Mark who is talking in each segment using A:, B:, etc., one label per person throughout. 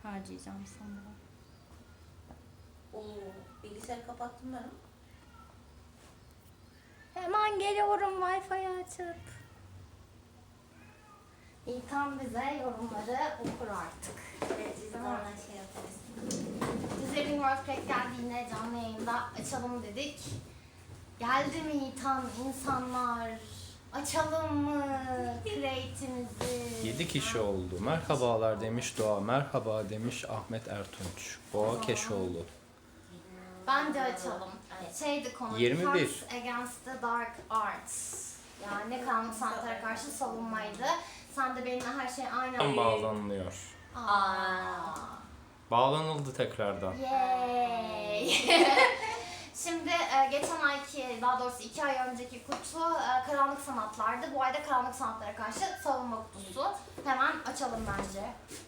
A: harcayacağım sanırım.
B: Bilgisayarı kapattım ben.
A: Hemen geliyorum Wi-Fi açıp. İlkan bize yorumları okur artık.
B: Evet, biz de oradan şey yaparız.
A: Bize Ringworld Crack geldiğinde canlı yayında açalım dedik. Geldi mi İlkan insanlar? Açalım mı Crate'imizi?
C: 7 kişi oldu. Merhabalar demiş Doğa. Merhaba demiş Ahmet Ertunç. Boğa Keşoğlu.
A: Bence açalım.
B: Evet.
A: Şeydi konu.
C: 21.
A: Defense Against the Dark Arts. Yani karanlık sanatlara karşı savunmaydı. Sen de benimle her şey aynı.
C: Bağlanılıyor. Bağlanıldı tekrardan.
A: Yay! Şimdi geçen ayki, daha doğrusu 2 ay önceki kutu karanlık sanatlardı. Bu ayda karanlık sanatlara karşı savunma kutusu. Hemen açalım bence.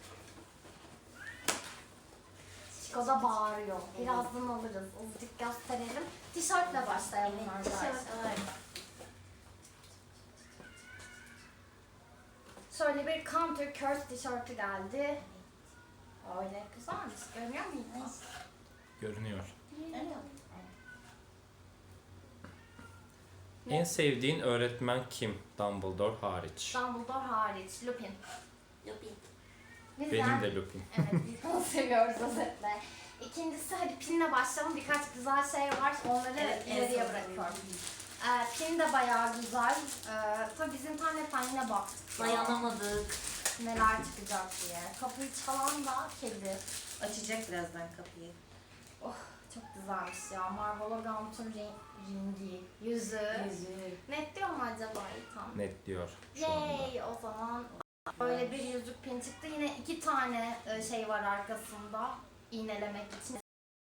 A: Chico da bağırıyor. Birazdan alırız. Azıcık gösterelim. Tişörtle başlayalım arkadaşlar. Şöyle bir Counter Curse tişörtü geldi. Öyle güzelmiş. Görüyor musunuz?
C: Görünüyor.
B: Evet.
C: En sevdiğin öğretmen kim? Dumbledore hariç.
A: Dumbledore hariç. Lupin.
B: Lupin.
A: Biz
C: Benim
A: yani-
C: de Lupin.
A: Evet, biz onu seviyoruz özetle. İkincisi hadi pinle başlayalım. Birkaç güzel şey var. Onları ileriye bırakıyorum. Pin de bayağı güzel. Tabii biz internetten yine baktık.
B: Dayanamadık.
A: Neler çıkacak diye. Kapıyı çalan da kedi.
B: Açacak birazdan kapıyı.
A: Oh çok güzelmiş ya. Marvel Gaunt'un ringi, yüzü. Net diyor mu acaba tam?
C: Net diyor şu anda.
A: Yay o zaman. Böyle bir yüzük pin çıktı. Yine 2 tane şey var arkasında. İğnelemek için.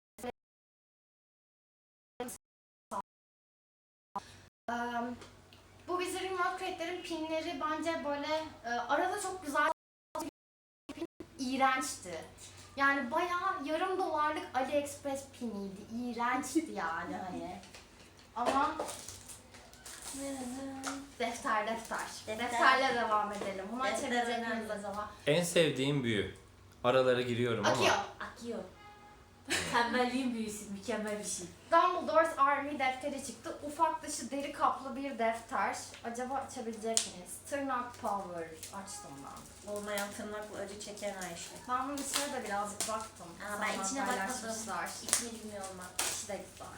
A: Bu Wizarding World Crate'lerin pinleri bence böyle arada çok güzel pin, iğrençti. Yani bayağı yarım dolarlık AliExpress piniydi. İğrençti yani hani. Ama defter. Defterle devam edelim. Bunu
B: Defter
A: açabilecek miyiz
B: önemli.
A: acaba?
C: En sevdiğim büyü. Aralara giriyorum
A: Akıyor.
C: ama.
B: Akıyor. Tembelliğin büyüsü, mükemmel bir şey.
A: Dumbledore's Army defteri çıktı. Ufak dışı deri kaplı bir defter. Acaba açabilecek miyiz? Tırnak Power açtım ben.
B: Olmayan tırnakla acı çeken Ayşe.
A: Ben bunun içine de birazcık baktım.
B: Ben
A: Sonra
B: içine bakmadım.
A: paylaşmışlar.
B: İçini bilmiyorum ben.
A: İçi de güzel.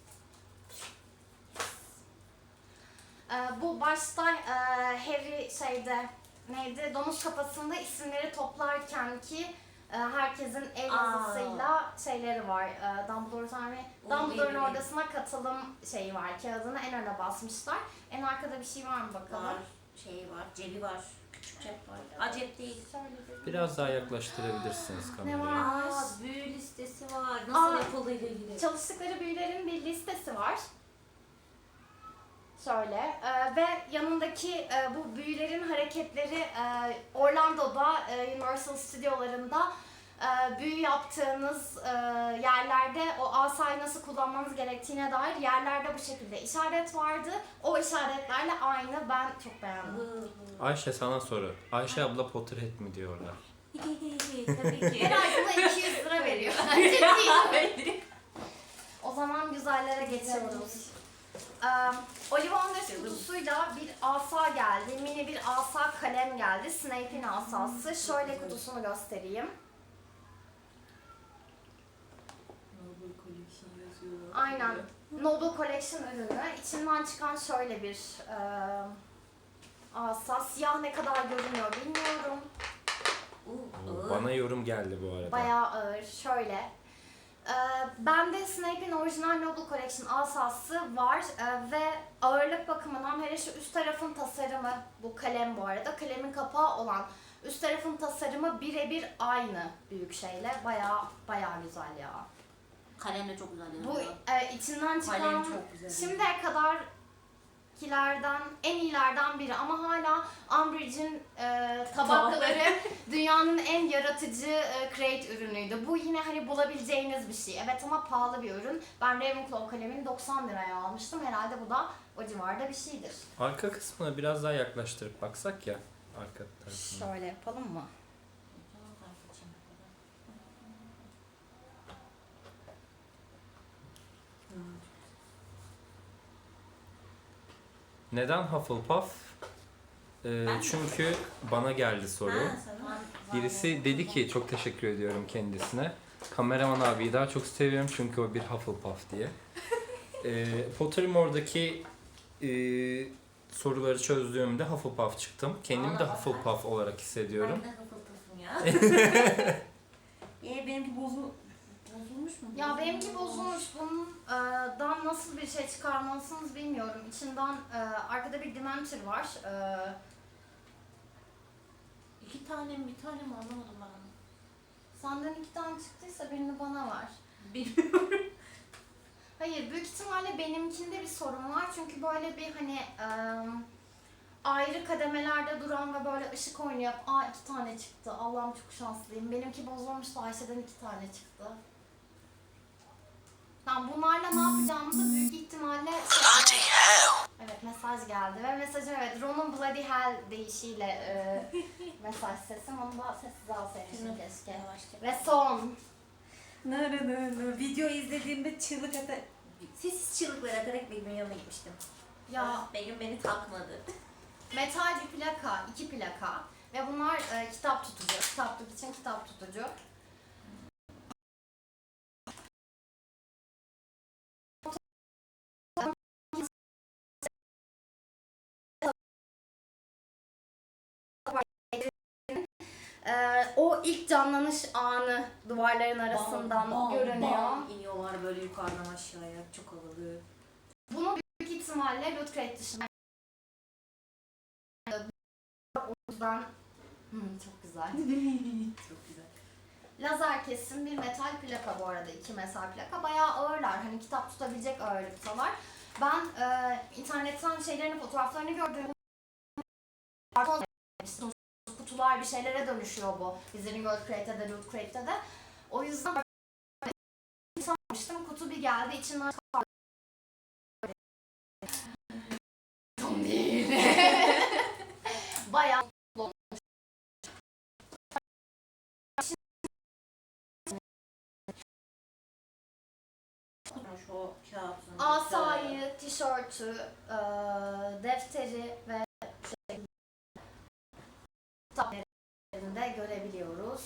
A: Bu başta Harry neydi? Domuz kafasında isimleri toplarken ki herkesin el yazısıyla şeyleri var. Dumbledore's Army. Dumbledore'un
B: iyi.
A: ordasına katılım şeyi var. Kağıdını en öne basmışlar. En arkada bir şey var mı bakalım?
B: Var. Şeyi var. Cebi var. Küçük cep var. Acep değil.
A: Şöyle bir-
C: Biraz daha yaklaştırabilirsiniz
A: Ne var?
C: kamerayı.
B: Büyü listesi var. Nasıl
A: Aa,
B: yapıldığıyla ilgili.
A: Çalıştıkları büyülerin bir listesi var. Şöyle ve yanındaki bu büyülerin hareketleri Orlando'da Universal Stüdyolarında büyü yaptığınız yerlerde o asayı nasıl kullanmanız gerektiğine dair yerlerde bu şekilde işaret vardı. O işaretlerle aynı. Ben çok beğendim.
C: Ayşe sana soru. Ayşe abla Potterhead mi diyorlar?
B: Tabii ki.
A: Her ay buna 200 lira veriyor. Ciddi. O zaman güzellere geçiyoruz. Ollivanders kutusuyla bir asa geldi. Mini bir asa kalem geldi. Snape'in asası. Şöyle kutusunu göstereyim. Aynen. Noble Collection ürünü. İçinden çıkan şöyle bir asa. Siyah ne kadar görünüyor bilmiyorum.
C: Bana yorum geldi bu arada.
A: Bayağı ağır. Şöyle. Bende Snape'in orijinal Noble Collection asası var ve ağırlık bakımından hele şu üst tarafın tasarımı, bu kalem bu arada, kalemin kapağı olan üst tarafın tasarımı birebir aynı büyük şeyle. Bayağı güzel ya.
B: Kalem de çok güzel.
A: Bu içinden çıkan
B: Kalem çok güzel.
A: şimdiye kadarkilerden en iyilerden biri ama hala Umbridge'in tabakları dünyanın en yaratıcı crate ürünüydü. Bu yine hani bulabileceğiniz bir şey. Evet ama pahalı bir ürün. Ben Ravenclaw kalemini 90 liraya almıştım. Herhalde bu da o civarda bir şeydir.
C: Arka kısmına biraz daha yaklaştırıp baksak ya. Arka tarafına.
A: Şöyle yapalım mı?
C: Neden Hufflepuff? Çünkü bana geldi soru.
B: Ha, sana.
C: Birisi dedi ki, çok teşekkür ediyorum kendisine. Kameraman abiyi daha çok seviyorum çünkü o bir Hufflepuff diye. Pottermore'daki soruları çözdüğümde Hufflepuff çıktım. Kendimi de
B: Vallahi
C: Hufflepuff olarak hissediyorum.
B: Ben de Hufflepuff'um ya. Benimki bozulmuş mu?
A: Ya benimki bozulmuş. Bundan nasıl bir şey çıkarmalısınız bilmiyorum. İçinden arkada bir Dementor var.
B: İki tane mi bir tane mi anlamadım ben onu.
A: Senden 2 tane çıktıysa birini bana ver.
B: Bilmiyorum.
A: Hayır, büyük ihtimalle benimkinde bir sorun var. Çünkü böyle bir hani ayrı kademelerde duran ve böyle ışık oynayıp 2 tane çıktı. Allah'ım çok şanslıyım. Benimki bozulmuştu, Ayşe'den 2 tane çıktı. Ben bunlarla ne yapacağımızı büyük ihtimalle... Bloody hell! Evet, mesaj geldi ve mesajım Ron'un Bloody Hell deyişiyle mesaj sesim. Onu da sessiz alsaymışım keşke.
B: Yavaşça.
A: Ve son.
B: Video izlediğimde çığlık atarak, sessiz çığlıklar atarak Begüm'ün yanına gitmiştim.
A: Ya
B: Begüm beni takmadı.
A: metal bir plaka, 2 plaka ve bunlar kitap tutucu. Kitaplık için kitap tutucu. O ilk canlanış anı duvarların arasından
B: Bam,
A: görünüyor.
B: bam iniyorlar böyle yukarıdan aşağıya. Çok havalı.
A: Bunu büyük ihtimalle Loot Crate dışında. O yüzden çok güzel.
B: Çok güzel.
A: Lazer kesim bir metal plaka bu arada, 2 metal plaka. Bayağı ağırlar. Hani kitap tutabilecek ağırlıktalar. Ben internetten fotoğraflarını gördüm. Kutular bir şeylere dönüşüyor bu. Bizim Gold Crate'de de Loot Crate'de de. O yüzden sanmıştım. Kutu bir geldi. İçinden tam değil. Bayağı
B: O kağıtın.
A: asayı, tişörtü, defteri ve kitaplarını görebiliyoruz.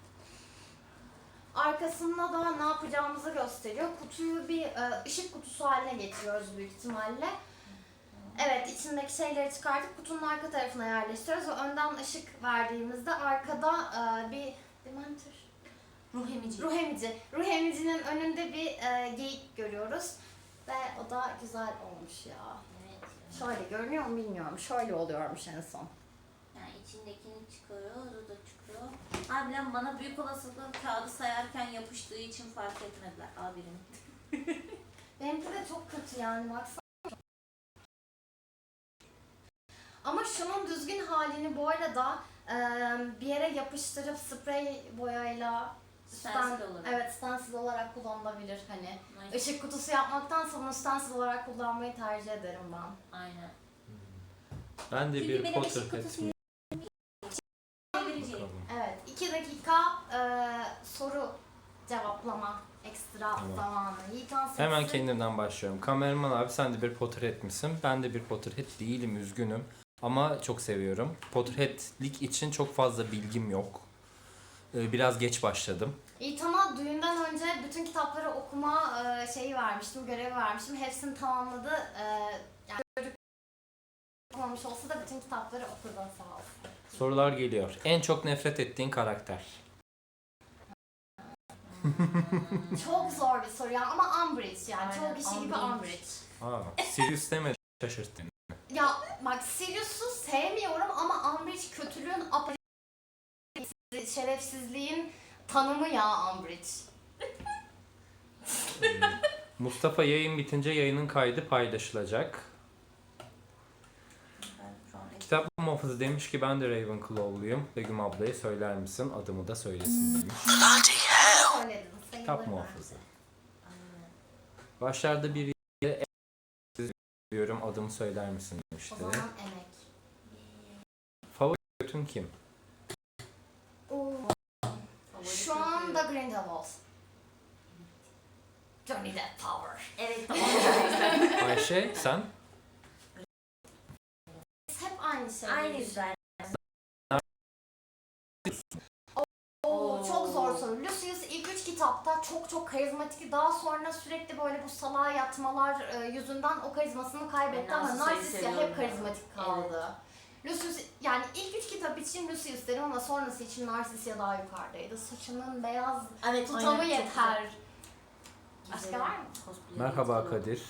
A: Arkasında da ne yapacağımızı gösteriyor. Kutuyu bir ışık kutusu haline getiriyoruz büyük ihtimalle. Evet, içindeki şeyleri çıkartıp kutunun arka tarafına yerleştiriyoruz ve önden ışık verdiğimizde arkada bir Dementor.
B: Ruh emici.
A: Ruh emicinin önünde bir geyik görüyoruz. Ve o da güzel olmuş ya.
B: Evet.
A: Şöyle görünüyor mu bilmiyorum. Şöyle oluyormuş en son.
B: Yani içindekini çıkarıyor, o da çıkıyor. Harbiden bana büyük olasılıkla kağıdı sayarken yapıştığı için fark etmediler abinin.
A: Benimki de çok kötü yani, baksana. Ama şunun düzgün halini bu arada bir yere yapıştırıp sprey boyayla
B: Stencil olarak.
A: Evet, stencil olarak kullanılabilir hani.
B: Nice.
A: Işık kutusu yapmaktansa bunu stencil olarak kullanmayı tercih ederim ben.
B: Aynen.
C: Ben de
B: Çünkü
C: bir
B: benim
C: Potter
B: ışık kutusu
C: etmeyeyim.
B: Vereceğim.
C: Bakalım.
A: Evet, 2 dakika soru cevaplama ekstra
C: Tamam.
A: zamanı. Yiğitan sesi.
C: Hemen kendimden başlıyorum. Kameraman abi, sen de bir Potterhead misin? Ben de bir Potterhead değilim, üzgünüm. Ama çok seviyorum. Potterhead'lik için çok fazla bilgim yok. Biraz geç başladım.
A: Yiğitan'a düğünden önce bütün kitapları okuma şeyi vermiştim, görevi vermiştim. Hepsini tamamladı. Yani çocuk okumamış olsa da bütün kitapları okudu, sağ olsun.
C: Sorular geliyor. En çok nefret ettiğin karakter?
A: Çok zor bir soru ya, ama Umbridge yani.
B: Aynen,
A: Çoğu kişi gibi
B: Umbridge.
A: Umbridge.
C: Sirius demedi, şaşırttın.
A: Ya bak, Sirius'u sevmiyorum ama Umbridge kötülüğün, şerefsizliğin tanımı ya Umbridge.
C: Mustafa, yayın bitince yayının kaydı paylaşılacak.
B: Ben şu an
C: Kitap muhafızı demiş ki ben de Ravenclaw'luyum. Begüm ablaya söyler misin? Adımı da söylesin demiş.
A: Söyledin,
C: Kitap
A: sayılır
C: muhafızı.
B: Aynen.
C: Başlarda bir yere diyorum, adımı söyler misin demişti.
A: O zaman emek.
C: Favori götün kim?
A: Şu anda Grindelwald. Johnny Depp Power.
B: Evet tamam.
C: Ayşe, sen?
B: aynı şey. Aynı yüzler.
A: Çok zor soru. Lucius ilk 3 kitapta çok karizmatik. Daha sonra sürekli böyle bu salağa yatmalar yüzünden o karizmasını kaybetti ama Narcissia hep karizmatik kaldı. Lucius, yani ilk 3 kitap için Lucius derim ama sonrası için Narcissia daha yukarıdaydı. Saçının beyaz tutamı yeter. Başka var mı?
C: Merhaba Kadir.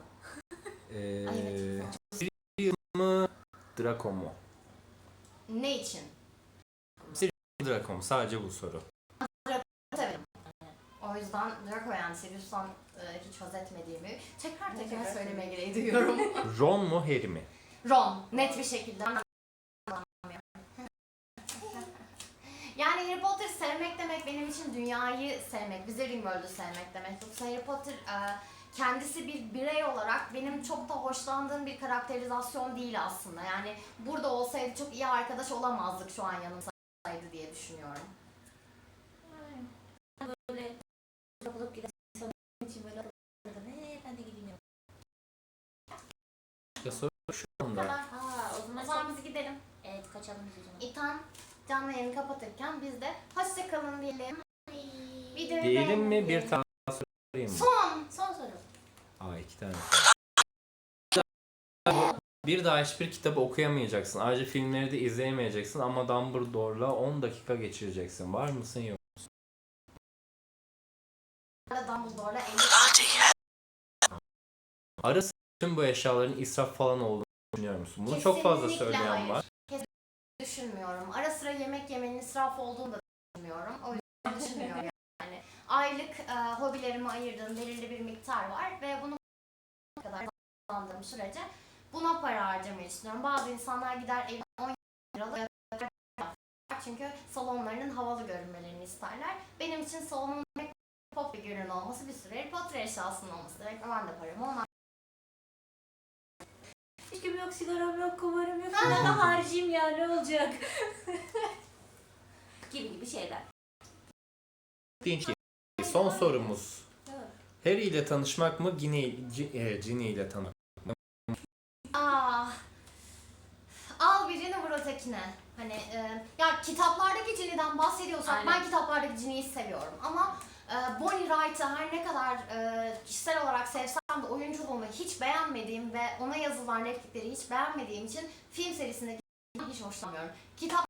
C: Sirius mu? Draco mu?
A: Ne için?
C: Draco mu? Sadece bu soru.
A: Tabii. O yüzden Draco, yani Sirius'tan hiç haz etmediğimi tekrar söylemeye gereği duyuyorum.
C: Ron mu? Harry mi?
A: Ron, net bir şekilde. Yani Harry Potter sevmek demek benim için dünyayı sevmek, Wizarding World'u sevmek demek. Yoksa Harry Potter kendisi bir birey olarak benim çok da hoşlandığım bir karakterizasyon değil aslında. Yani burada olsaydı çok iyi arkadaş olamazdık şu an yanımızdaydı diye düşünüyorum.
B: Böyle kapılıp giden için böyle ben de gideyim.
C: Ya soru şu
A: Bu
C: anda.
A: kadar.
B: O
A: O zaman biz gidelim.
B: Evet, kaçalım biz o zaman.
A: İtan canlı yayını kapatırken biz de hoşça kalın diyelim. Videoyu
C: Diyelim mi?
A: beğenin
C: Bir tane sorayım mı?
A: Son soru.
C: Aa, 2 tane. Bir daha hiçbir kitabı okuyamayacaksın. Ayrıca filmleri de izleyemeyeceksin ama Dumbledore'la 10 dakika geçireceksin. Var mısın yok?
A: Dumbledore'la 50
C: Arası tüm bu eşyaların israf falan olduğunu düşünüyor musun? Bunu çok fazla
A: Kesinlikle
C: söyleyen
A: hayır.
C: var.
A: düşünmüyorum. Ara sıra yemek yemenin israf olduğunu da düşünmüyorum. O yüzden düşünmüyorum yani. Aylık hobilerime ayırdığım belirli bir miktar var ve bunu kadar kazandığım sürece buna para harcamayı düşünüyorum. Bazı insanlar gider evine 10 liralık çünkü salonlarının havalı görünmelerini isterler. Benim için salonun pop bir görün olması bir sürü Harry Potter eşyasının olması demek. Ben de paramı ona
B: Hiçbir yok, sigaram yok, kumarım yok. Ben de harcayayım ya, ne olacak? gibi şeyler.
C: Son sorumuz.
B: Evet.
C: Harry ile tanışmak mı? Ginny ile tanışmak mı?
A: Al birini vur ötekine. Hani ya kitaplardaki Ginny'den bahsediyorsak
B: Aynen.
A: ben kitaplardaki Ginny'yi seviyorum ama Bonnie Wright'ı her ne kadar kişisel olarak sevsem de oyunculuğunu hiç beğenmediğim ve ona yazılan replikleri hiç beğenmediğim için film serisindeki Ginny'yi hiç hoşlanmıyorum. Kitap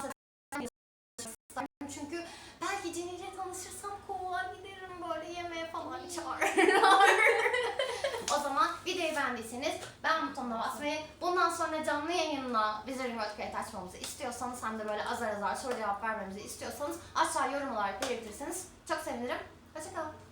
A: çünkü belki Ginny ile tanışırsam kovuğa giderim, böyle yemeğe falan çağırırlar. O zaman videoyu beğendiyseniz beğen butonuna basmayı, bundan sonra canlı yayınla Wizarding World Create açmamızı istiyorsanız, hem de böyle azar azar soru cevap vermemizi istiyorsanız aşağı yorum olarak belirtirseniz çok sevinirim. Hoşçakalın.